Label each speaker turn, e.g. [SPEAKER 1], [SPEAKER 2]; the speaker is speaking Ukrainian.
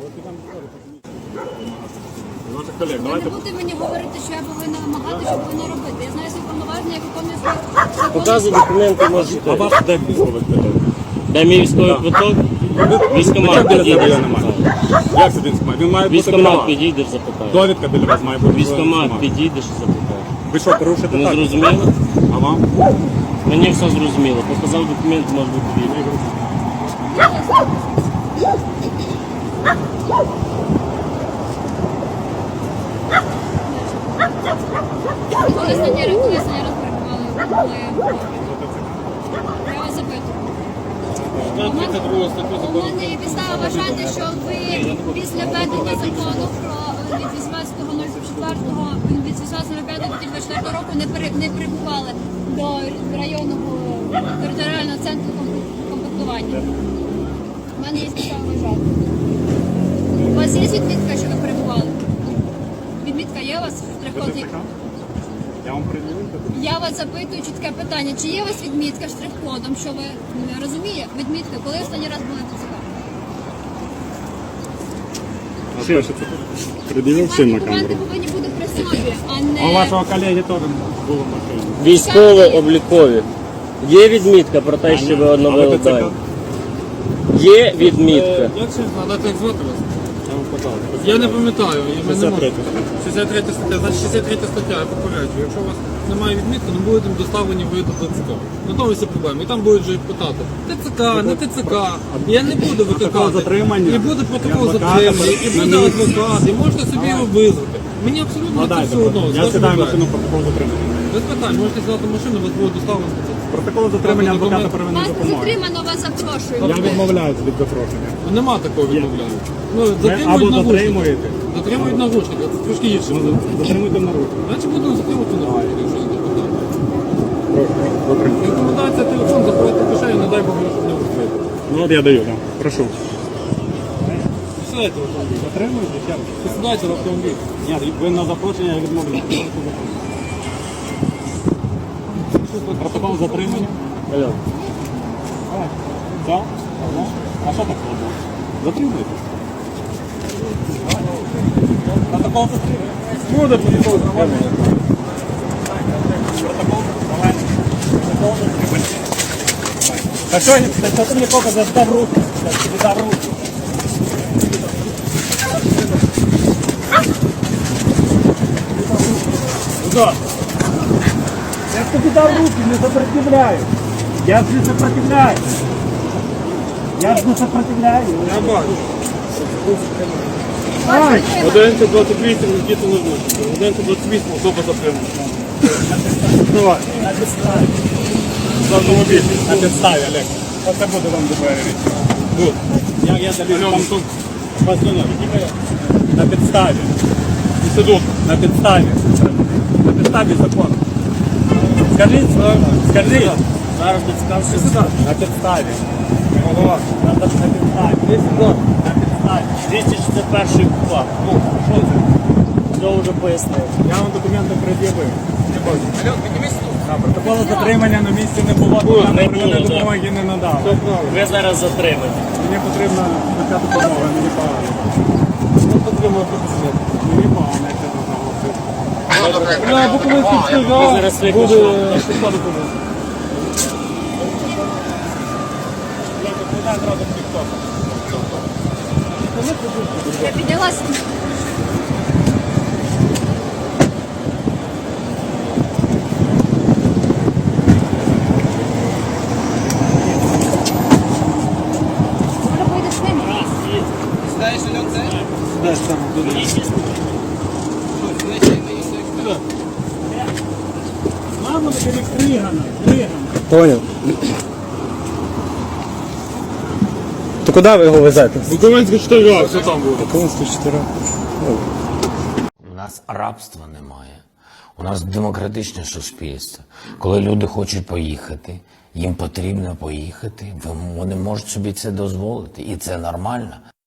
[SPEAKER 1] Ваших колег,
[SPEAKER 2] Ви
[SPEAKER 1] давайте.
[SPEAKER 2] не будете мені говорити, що я повинна вимагати, що повинна робити. Я знаю свої повноваження, як виконую свої закони.
[SPEAKER 3] Показуй документи, можете.
[SPEAKER 1] А ваш де військовий квиток?
[SPEAKER 3] Дай мій військовий квиток. Військомат
[SPEAKER 1] біля тебе
[SPEAKER 3] підійдеш,
[SPEAKER 1] немає.
[SPEAKER 3] запитай.
[SPEAKER 1] Як це військомат? Він має бути біля
[SPEAKER 3] Військомат
[SPEAKER 1] вас.
[SPEAKER 3] підійдеш, запитай.
[SPEAKER 1] Довідка біля вас має бути.
[SPEAKER 3] Військомат підійдеш, запитай.
[SPEAKER 1] Ви що, порушите
[SPEAKER 3] Не
[SPEAKER 1] так?
[SPEAKER 3] зрозуміло?
[SPEAKER 1] А вам?
[SPEAKER 3] Мені все зрозуміло. Показав документ, може бути вільний.
[SPEAKER 2] Коли останній раз перебували в я вас запитую. У мене є підстава вважати, що ви після введення закону про від 18.04 від 18.05.2024 року не прибували до районного територіального центру комплектування. У мене є підстава вважати. У вас є відмітка, що ви перебували? Відмітка є у вас в штрих-коді?
[SPEAKER 1] Я вам приділив?
[SPEAKER 2] Я вас запитую чітке питання. Чи є у вас відмітка штрих-кодом, що ви розуміє? Відмітка, коли останній раз були в ТЦК?
[SPEAKER 1] А що це? Приділив всім на
[SPEAKER 2] Документи
[SPEAKER 1] камеру.
[SPEAKER 2] повинні бути при собі, а
[SPEAKER 1] А у
[SPEAKER 2] не...
[SPEAKER 1] вашого колеги теж було в машині.
[SPEAKER 3] Військово-облікові. Є відмітка про те, що ви оновили дані? Є відмітка.
[SPEAKER 4] Як це надати звати вас?
[SPEAKER 1] Я вам казав.
[SPEAKER 4] Я не пам'ятаю.
[SPEAKER 1] 63
[SPEAKER 4] 63 стаття. Значить 63 стаття, я попереджую. Якщо у вас немає відмітки, не будете доставлені ви до ТЦК. На тому всі проблеми. І там будуть вже питати. ТЦК, не ТЦК. Я не буду викликати.
[SPEAKER 1] затримання.
[SPEAKER 4] І буде протокол
[SPEAKER 1] І адвоката
[SPEAKER 4] затримання, і
[SPEAKER 1] на
[SPEAKER 4] буде
[SPEAKER 1] місці.
[SPEAKER 4] адвокат, і можете собі його визвати. Мені абсолютно це
[SPEAKER 1] Надайте.
[SPEAKER 4] все одно.
[SPEAKER 1] Я сідаю в машину, протокол затримання.
[SPEAKER 4] Без питань, можете сідати в машину, вас буде доставлено.
[SPEAKER 1] Протокол затримання адвоката
[SPEAKER 2] Вас
[SPEAKER 1] первинної
[SPEAKER 2] не
[SPEAKER 1] допомоги.
[SPEAKER 2] затримано, вас запрошують.
[SPEAKER 1] Я відмовляюся від запрошення.
[SPEAKER 4] Нема такого відмовляння. Ну,
[SPEAKER 1] Ви
[SPEAKER 4] затримують
[SPEAKER 1] або
[SPEAKER 4] наручники.
[SPEAKER 1] затримуєте.
[SPEAKER 4] Затримують наручники, це трошки гірше.
[SPEAKER 1] Затримуйте на руку.
[SPEAKER 4] Значить буду затримувати наручники, якщо не питання.
[SPEAKER 1] Добре.
[SPEAKER 4] Рекомендація телефон закрити кишені, не дай Бог, щоб не вкрити.
[SPEAKER 1] Ну от я даю, так. Прошу.
[SPEAKER 4] Сідайте в автомобіль.
[SPEAKER 1] Затримуєте? Ще раз.
[SPEAKER 4] Сідайте в автомобіль.
[SPEAKER 1] Ні, ви на запрошення я відмовляюся. Протокол затримання.
[SPEAKER 3] Алло.
[SPEAKER 1] Так? А що так складно? Затримуєте? Протокол затримання.
[SPEAKER 4] Буде протокол затримання.
[SPEAKER 1] Протокол? Давай. Протокол затримання. Так що ти мені показав, дав руки? Я тобі дав руки. Куда? Я тобі дав руки, не сопротивляю. Я ж не сопротивляю. Я ж не сопротивляю.
[SPEAKER 4] Я бачу.
[SPEAKER 1] Ай!
[SPEAKER 4] 1128 Нікіта Левушенко. 1128 особа затримана.
[SPEAKER 1] Давай. На підставі.
[SPEAKER 4] За автомобіль.
[SPEAKER 1] На підставі, Олег. Оце буде вам доповідати.
[SPEAKER 4] Тут.
[SPEAKER 1] Я даю
[SPEAKER 4] Альон,
[SPEAKER 1] там
[SPEAKER 4] тут.
[SPEAKER 1] постанову. На підставі.
[SPEAKER 4] І сидок.
[SPEAKER 1] На підставі. На підставі закону. Скажіть, скажіть.
[SPEAKER 4] Зараз підскажу.
[SPEAKER 1] На підставі.
[SPEAKER 4] Голова.
[SPEAKER 1] На підставі.
[SPEAKER 4] Є сюди.
[SPEAKER 1] На підставі.
[SPEAKER 3] 261 кула.
[SPEAKER 1] Ну, що це?
[SPEAKER 3] Все вже пояснив.
[SPEAKER 1] Я вам документи пред'явив.
[SPEAKER 4] Не бачу. Альон, піднімись тут.
[SPEAKER 1] Протоколу затримання на місці не було,
[SPEAKER 3] Не
[SPEAKER 1] документи
[SPEAKER 3] було,
[SPEAKER 1] первинної
[SPEAKER 3] да.
[SPEAKER 1] допомоги не надав.
[SPEAKER 4] Все правильно.
[SPEAKER 3] Ви зараз затримані.
[SPEAKER 1] Мені потрібна така допомога, мені погано.
[SPEAKER 4] Ну, потрібно тут.
[SPEAKER 1] Мені погано, як це наголосити.
[SPEAKER 4] Бля, Буковинський
[SPEAKER 3] Ви
[SPEAKER 4] встигає.
[SPEAKER 3] зараз
[SPEAKER 4] Буде
[SPEAKER 3] викличете.
[SPEAKER 4] підпаду туди.
[SPEAKER 2] Я піднялася. Може поїдеш з ними?
[SPEAKER 4] Знаєш, Альон, це?
[SPEAKER 1] Десь там буде. Мама, бери Кригана, Кригана.
[SPEAKER 5] Понял. То куди ви його везете?
[SPEAKER 4] Буковинський 4, все там буде.
[SPEAKER 5] Консту 4.
[SPEAKER 6] У нас рабства немає. У нас демократичне суспільство. Коли люди хочуть поїхати, їм потрібно поїхати, вони можуть собі це дозволити. І це нормально.